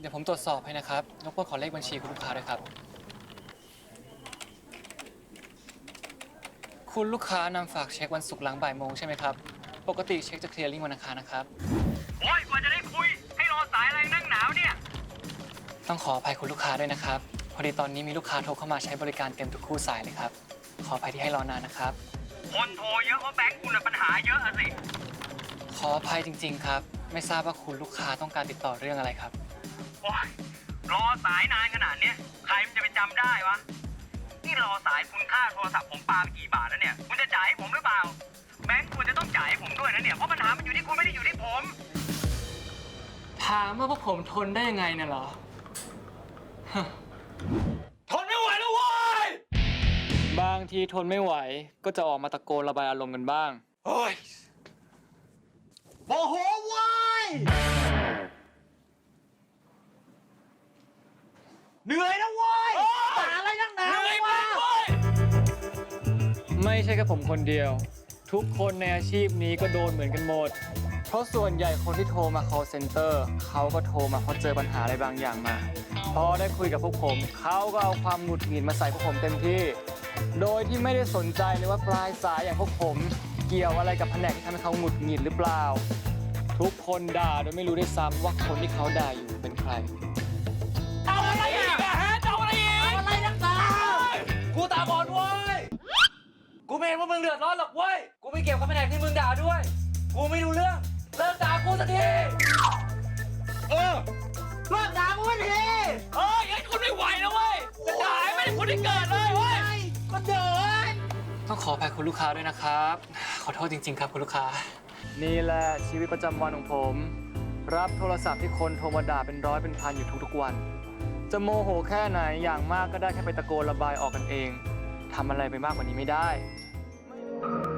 ดี๋ยวผมตรวจสอบให้นะครับรบกวนขอเลขบัญชีคุณลูกค้าด้วยครับคุณลูกค้านำฝากเช็ควันศุกร์หลังบ่ายโมงใช่ไหมครับปกติเช็คจะเคลียร์ลิงก์วันอังคารนะครับโอ้ยกว่าจะได้คุยให้รอสายอะไรนั่งหนาวเนี่ยต้องขออภัยคุณลูกค้าด้วยนะครับพอดีตอนนี้มีลูกค้าโทรเข้ามาใช้บริการเต็มทุกคู่สายเลยครับขออภัยที่ให้รอนานนะครับคนโทรเยอะเพราะแบงค์คุณปัญหาเยอะอะสิขออภัยจริงๆครับไม่ทราบว่าคุณลูกค้าต้องการติดต่อเรื่องอะไรครับโอ้ยรอสายนานขนาดเนี้ยใครมันจะไปจำได้วะนี่รอสายคุณค่าโทรศัพท์ผมปาไปกี่บาทแล้วเนี่ยคุณจะจ่ายให้ผมหรือเปล่าแบงค์ควรจะต้องจ่ายให้ผมด้วยนะเนี่ยเพราะปัญหามันอยู่ที่คุณไม่ได้อยู่ที่ผมถามว่าพวกผมทนได้ยังไงเนี่ยเหรอทนไม่ไหวแล้วเว้ยบางทีทนไม่ไหวก็จะออกมาตะโกนระบายอารมณ์กันบ้างโอ้ยโมโหเว้ยเหนื่อยนะเว้ยหาอะไรนักหนาเหนื่อยมากเว้ยไม่ใช่แค่ผมคนเดียวทุกคนในอาชีพนี้ก็โดนเหมือนกันหมดเพราะส่วนใหญ่คนที่โทรมา call center เขาก็โทรมาเพราะเจอปัญหาอะไรบางอย่างมาพอได้คุยกับพวกผมเขาก็เอาความหงุดหงิดมาใส่พวกผมเต็มที่โดยที่ไม่ได้สนใจเลยว่าปลายสายอย่างพวกผมเกี่ยวอะไรกับแผนกที่ทำให้เขาหงุดหงิดหรือเปล่าทุกคนด่าโดยไม่รู้ด้วยซ้ำว่าคนที่เขาด่าอยู่เป็นใครเอาอะไรอีกอะฮะเอาอะไรอีกเอาอะไรนักหนากูตาบอดเว้ยกูไม่เห็นว่ามึงเดือดร้อนหรอกเว้ยกูไม่เกี่ยวกับแผนกที่มึงด่าด้วยกูไม่รู้เรื่องเลิกด่ากูสักทีเลิกด่ากูสักทียัยคุณไม่ไหวแล้วเว้ยจะด่าให้ไม่ได้คุณได้เกิดเลยเว้ยก็เดินต้องขออภัยคุณลูกค้าด้วยนะครับขอโทษจริงๆครับคุณลูกค้านี่แหละชีวิตประจำวันของผมรับโทรศัพท์ที่คนโทรมาด่าเป็นร้อยเป็นพันอยู่ทุกๆวันจะโมโหแค่ไหนอย่างมากก็ได้แค่ไปตะโกนระบายออกกันเองทำอะไรไปมากกว่านี้ไม่ได้